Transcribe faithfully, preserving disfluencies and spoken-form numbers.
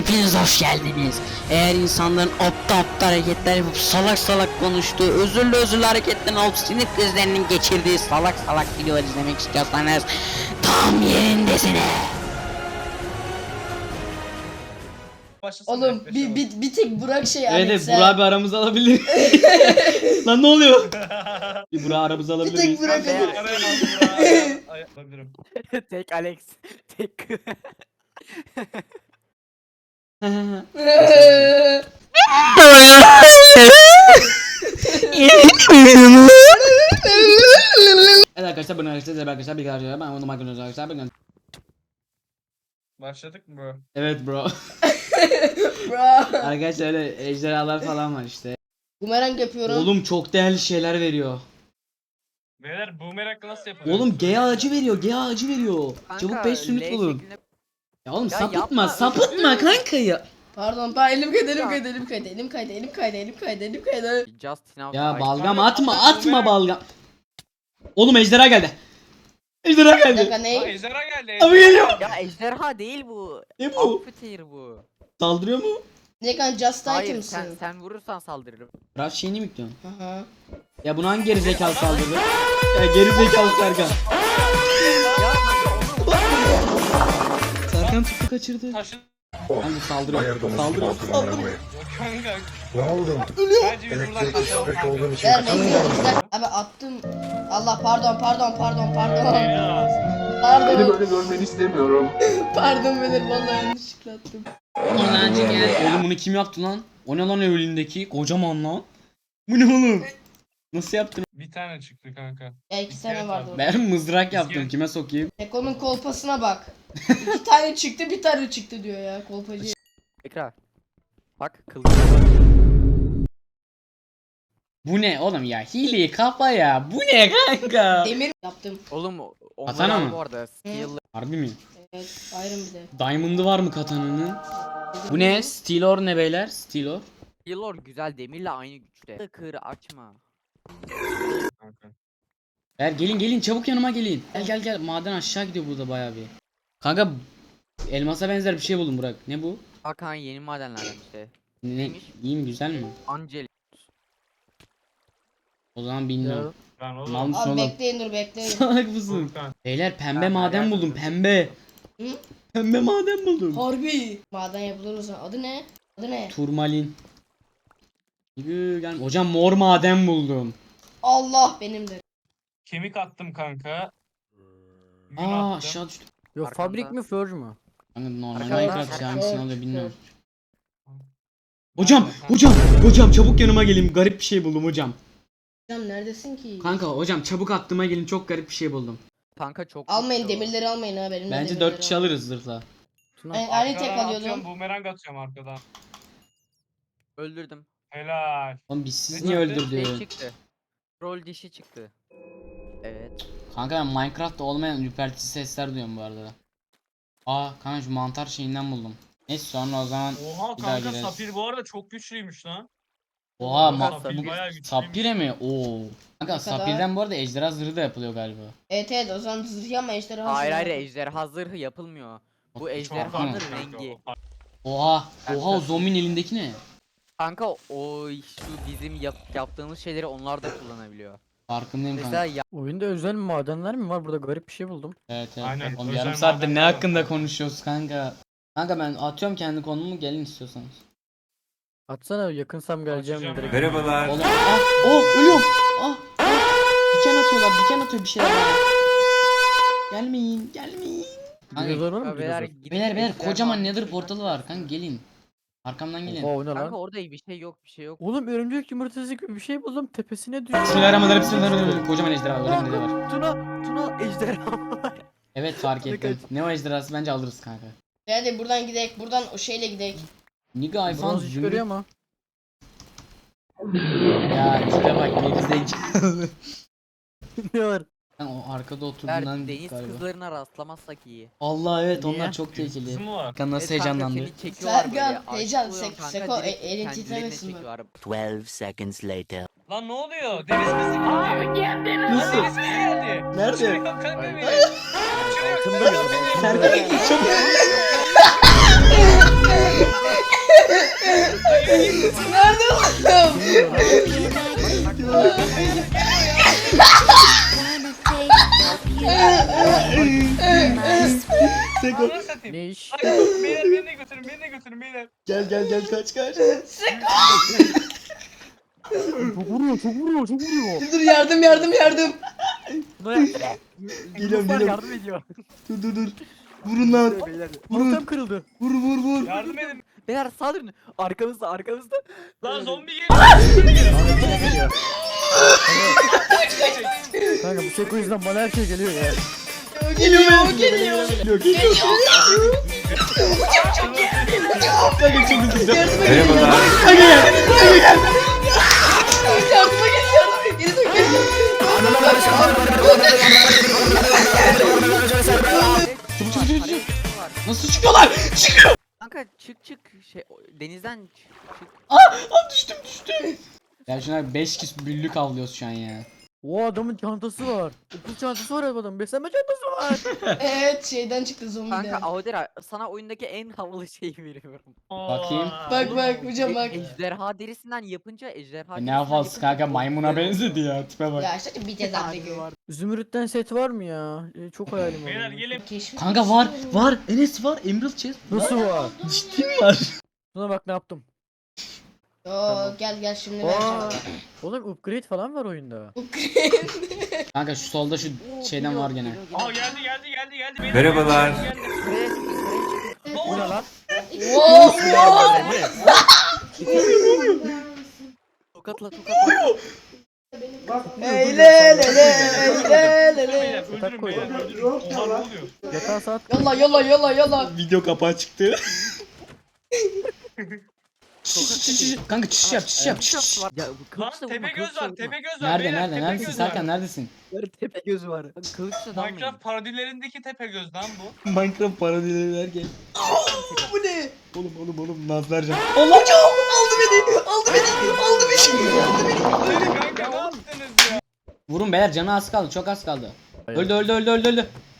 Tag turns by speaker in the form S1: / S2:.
S1: hepiniz hoş geldiniz. Eğer insanların aptal aptal hareketler yapıp salak salak konuştuğu, özürlü özürlü hareketlerin olup sinir krizlerinin geçirdiği salak salak videolar izlemek istiyorsanız tam yerindesiniz.
S2: Başlasın
S3: Oğlum
S2: direkt,
S3: bir, bir, bir tek Burak şey
S4: Evet
S3: Alex
S4: evet
S3: ha.
S4: Burak bir aramıza alabilir. Lan ne oluyor? Bir Burak aramıza
S3: Bir
S4: alabilir
S3: tek
S4: miyiz?
S3: Burak
S2: Araya
S3: alır.
S2: aldım. Ay, alabilirim.
S5: Tek Alex. Tek.
S4: Evet arkadaşlar bunu arkadaşlar size arkadaşlar bir arkadaşlar ben onu makyajınız arkadaşlar ben
S2: Başladık mı bro?
S4: Evet bro.
S3: Bro.
S4: Arkadaşlar öyle ejderhalar falan var işte.
S3: Bumerang yapıyorum.
S4: Oğlum çok değerli şeyler veriyor.
S2: Beyler boomerang nasıl yapılıyor?
S4: Oğlum G ağacı veriyor, G ağacı veriyor. Çabuk beş sünnet bulun. Ya oğlum
S5: Ya
S4: sapıtma,
S5: yapma,
S4: sapıtma kanka ya.
S3: Pardon ben elim kaydı elim
S5: Ya.
S3: kaydı elim kaydı elim kaydı elim kaydı elim kaydı elim kaydı.
S5: Justin out.
S4: Ya
S5: Ay,
S4: balgam
S2: kanka,
S4: atma,
S2: kanka,
S4: atma
S2: boomerang.
S4: balgam. Oğlum ejderha geldi. Ejderha
S3: Bir dakika
S4: geldi.
S2: Aa,
S3: ne?
S2: ejderha geldi.
S4: Abi geliyor.
S5: Ya ejderha değil bu.
S4: Ne bu?
S5: Amputator bu.
S4: Saldırıyor mu?
S3: Ne kan just
S5: Hayır
S3: item
S5: sen
S3: mısın?
S5: sen vurursan saldırırım.
S4: Biraz şeyini mi bekliyorsun?
S3: Aha.
S4: Ya bunu hangi gerizekalı saldırdı? Ya gerizekalı Serkan.
S5: Ya
S4: Serkan tuttu kaçırdı.
S2: Taşı.
S4: Hangi saldırıyor? Saldırıyor. Saldırıyor.
S2: Kanka.
S6: Ne oldu?
S2: Bence biz buradan
S6: Elektrik
S2: kaçalım.
S6: pek olduğun için
S3: Vermeyin bizden. Abi attım. Allah pardon pardon pardon pardon.
S2: Ya.
S6: Beni
S3: Pardon.
S6: böyle görmeni istemiyorum.
S3: Pardon beyler vallahi yanlışlıkla attım.
S4: Olancı gel. Oğlum bunu kim yaptı lan? O ne lan önündeki? Kocaman lan. Bu ne oğlum? Nasıl yaptın?
S2: Bir tane çıktı kanka.
S3: Ya iki tane vardı.
S4: Ben mızrak yaptım. Kime sokayım?
S3: Eko'nun kolpasına bak. İki tane çıktı bir tane çıktı diyor ya kolpacı.
S5: Ekra. Bak kıl.
S4: Bu ne oğlum ya? Hile kafa ya. Bu ne kanka?
S3: Demir yaptım.
S5: Oğlum o-
S4: Katana
S5: onlar
S4: mı?
S5: bu arada skill.
S4: Harbi mi?
S3: Evet ayrım bir de.
S4: Diamond'ı var mı katananın? Bu ne? Steelor ne beyler? Steelor.
S5: Skillor güzel demirle aynı güçte. Kır açma.
S2: Kanka.
S4: Ver gelin gelin çabuk yanıma gelin. Gel gel gel. Maden aşağı gidiyor burada bayağı bir. Kanka elmasa benzer bir şey buldum Burak. Ne bu?
S5: Hakan yeni madenlerden işte.
S4: Ne?
S5: Neymiş?
S4: İyi mi güzel mi?
S5: Angel.
S4: O zaman bilmiyorum.
S2: Lan
S4: Mal
S2: oğlum.
S4: mısın
S3: Abi
S4: oğlum?
S3: bekleyin dur bekleyin.
S4: Salak mısın?
S2: Furkan.
S4: Beyler pembe
S5: Ben
S4: maden
S5: merak
S4: buldum
S5: ettim.
S4: pembe.
S3: Hı?
S4: Pembe maden buldum.
S3: Harbi. Maden yapılır o zaman. Adı ne? Adı ne?
S4: Turmalin. Yürü, gel. Hocam mor maden buldum.
S3: Allah benimdir.
S2: Kemik attım kanka. Gün
S4: Aa
S2: attım.
S4: aşağı düştüm.
S7: Yo
S5: Arkanda.
S7: fabrik mi Forge mu?
S4: Kanka normal
S5: Arkanda.
S4: Minecraft şey hangisini
S3: Çok,
S4: alıyor bilmiyorum.
S3: çok.
S4: Hocam hocam hocam çabuk yanıma gelin garip bir şey buldum hocam.
S3: Hocam neredesin ki?
S4: Kanka hocam çabuk aklıma gelin çok garip bir şey buldum.
S5: Kanka çok
S3: Almayın
S5: güçlü o.
S3: demirleri almayın ha benim.
S4: Bence dört kişi alırız zırhla.
S7: Tuna.
S3: Ben aynı tek
S2: Arkadan
S3: alıyordum.
S2: atıyorum, boomerang atıyorum arkadan.
S5: Öldürdüm.
S2: Helal.
S4: Oğlum biz siz
S2: Ne
S4: niye
S2: çıktı?
S5: Şey
S4: öldürdün?
S5: çıktı. Troll dişi çıktı. Evet.
S4: Kanka ben Minecraft'ta olmayan ürpertici sesler duyuyorum bu arada. Aa kanka şu mantar şeyinden buldum. Neyse sonra o zaman
S2: Oha
S4: bir daha
S2: kanka
S4: gireriz.
S2: Sapir bu arada çok güçlüymüş lan.
S4: Oha
S2: Kanka,
S4: ma-
S2: Sapir
S4: bu
S2: bayağı güçlüymüş.
S4: Sapire mi? Oo. Kanka
S3: Ne kadar?
S4: Sapir'den bu arada ejderha zırhı da yapılıyor galiba.
S3: Evet evet o zaman zırh ama ejderha.
S5: Hayır
S3: zırhı.
S5: hayır ejderha zırhı yapılmıyor. Bu
S4: Çok
S5: ejderhanın
S4: farklı
S2: kanka
S5: rengi.
S2: o.
S4: Oha.
S5: Ben
S4: Oha o
S5: de-
S4: zombinin elindeki ne?
S5: Kanka o şu bizim yap, yaptığımız şeyleri onlar da kullanabiliyor.
S4: Farkındayım kanka.
S5: Mesela ya,
S7: Oyunda özel madenler mi var? Burada garip bir şey buldum.
S4: Evet evet.
S2: Aynen,
S4: Oğlum
S2: özel
S4: yarım saattir ne
S2: madenler var
S4: hakkında
S2: kanka.
S4: konuşuyoruz kanka. Kanka ben atıyorum kendi konumu gelin istiyorsanız.
S7: Atsana yakınsam geleceğim
S2: Açacağım
S7: direkt.
S2: ben.
S6: Merhabalar.
S4: Oğlum ah oh ölüyorum. Ah, ah. Diken atıyorlar diken atıyor bir şeyler bana. Gelmeyin gelmeyin. Kanka,
S7: Dinozor var mı?
S5: ya beyler,
S7: Dinozor?
S5: gidip
S4: beyler beyler
S5: ejderha
S4: kocaman
S5: alın.
S4: nether portalı var kanka gelin. Arkamdan gelin.
S7: Oha o ne
S5: Kanka
S7: lan?
S5: orada bir şey yok bir şey yok.
S7: Oğlum örümcek yumurtası gibi bir şey buldum tepesine düştü.
S4: Bismillahirrahmanirrahim bismillahirrahmanirrahim. Kocaman ejderha var önümde de var.
S7: Tuna, Tuna ejderha var.
S4: Evet fark
S7: Ne
S4: ettim. Ne o ejderhası bence alırız kanka.
S3: Hadi buradan gidek buradan o şeyle gidek.
S4: Nigga iPhone
S7: Bronz iş görüyor ama.
S4: Ya tipe bak gerizekalı.
S7: Ne var?
S4: Sen o arkada
S5: Beyler,
S4: oturduğundan
S5: deniz
S4: galiba.
S5: kızlarına rastlamazsak iyi.
S4: Allah evet
S7: Niye?
S4: onlar çok
S2: Kızı
S4: tehlikeli.
S2: mı var?
S4: Kanka nasıl
S5: Evet kanka,
S4: heyecanlandı.
S5: seni çekiyorlar
S3: Sergen,
S5: böyle, aşık
S3: heyecan,
S5: oluyorsun
S3: sek-
S5: kanka,
S3: seko,
S5: direkt
S3: e- elin
S5: kendilerine
S3: titremesin bak.
S5: çekiyorlar.
S8: twelve seconds later.
S2: Lan ne oluyor? Deniz kızı geldi. Lan
S4: Nasıl?
S2: deniz kızı geldi.
S4: Nerede?
S2: Kaçırıyor kanka beni.
S7: Ay.
S2: Kaçırıyor
S7: Altında
S2: kanka
S7: mı?
S2: beni.
S4: Serkan çok
S3: Nerede oğlum?
S9: Seko
S2: Ananı satayım.
S7: Ne iş?
S2: Ay, beyler beni de götürün beni de götürün beyler.
S9: gel gel gel kaç kaç.
S7: Çok vuruyor çok vuruyor çok vuruyor.
S3: Dur dur yardım yardım yardım.
S7: Buna yardım.
S9: Geliyorum,
S7: Ruslar
S9: geliyorum.
S7: yardım ediyor.
S9: Dur dur dur. Vurun lan.
S7: Beyler.
S9: Vurun.
S7: Ortam kırıldı.
S9: Vur vur vur.
S2: Yardım edin.
S7: Beyler saldırın. Arkamızda arkamızda.
S2: Lan zombi geliyor.
S7: geliyor. Kanka bu Seko yüzünden bana her şey geliyor ya.
S3: Geliyor geliyor.
S9: Geliyor geliyor. Kanka çok hızlı.
S3: Yardıma gel. Yardıma gel. Yardıma gel yardıma gel. Geri dön geri dön.
S9: Çabuk çabuk çabuk çabuk.
S4: Nasıl çıkıyorlar? Çıkıyor.
S5: Kanka çık çık şey o- denizden çık çık.
S9: Aa düştüm düştüm.
S4: Ya şuna beş kişi büllük avlıyoruz şu an ya.
S7: O adamın çantası var. Okul çantası var adamın. Beslenme çantası var.
S3: Evet şeyden çıktı zombiden.
S5: Kanka Audera sana oyundaki en havalı şeyi veriyorum.
S4: Bakayım.
S3: Bak bak hocam bak.
S5: Ejderha derisinden yapınca ejderha
S4: Ne havası kanka maymuna benzedi ya tipe bak.
S3: Ya işte bir ceza bekliyor.
S7: var. Zümrüt'ten set var mı ya? Ee, çok hayalim var.
S2: Beyler
S7: benim.
S2: gelin.
S3: Keşif.
S9: Kanka var var. Enes var. Emerald chest.
S7: Nasıl var?
S9: Ciddi mi var?
S7: Buna bak ne yaptım.
S3: Oo gel gel şimdi
S7: Aa,
S3: vereceğim.
S7: oğlum upgrade falan var oyunda.
S4: Kanka şu solda şu şeyden var gene.
S2: Aa geldi geldi geldi geldi. Beyler,
S6: Merhabalar.
S2: geldi, geldi.
S5: Buraya çık, buraya çık.
S7: Bu ne lan?
S5: Tokatla tokatla.
S3: Hey le le le le le
S2: Beyler
S3: le.
S2: öldürün beyler öldürün. Oha ne oluyor?
S7: Yatağa saat.
S3: Yolla yolla yolla yolla.
S9: Video kapağı çıktı.
S4: Kanka çiş yap çiş yap çiş.
S5: Ya bu
S2: Lan
S5: kılıçla vurma,
S2: tepe göz
S5: kılıçla
S2: var
S5: vurma.
S2: tepe göz var.
S4: Nerede
S2: beyler,
S4: nerede
S2: tepe
S4: neredesin
S2: göz var.
S4: Serkan neredesin?
S7: Tepe gözü var.
S5: Kılıçla dalmayın.
S2: Minecraft parodilerindeki tepe göz lan bu.
S9: Minecraft parodileri derken.
S3: Bu ne?
S9: Oğlum oğlum oğlum Nazlarcan.
S3: Allah hocam aldı beni. Aldı beni. Aldı beni. Aldı beni.
S2: Öyle kanka ne yaptınız ya?
S4: Vurun beyler canı az kaldı çok az kaldı. Öldü öldü öldü öldü öldü.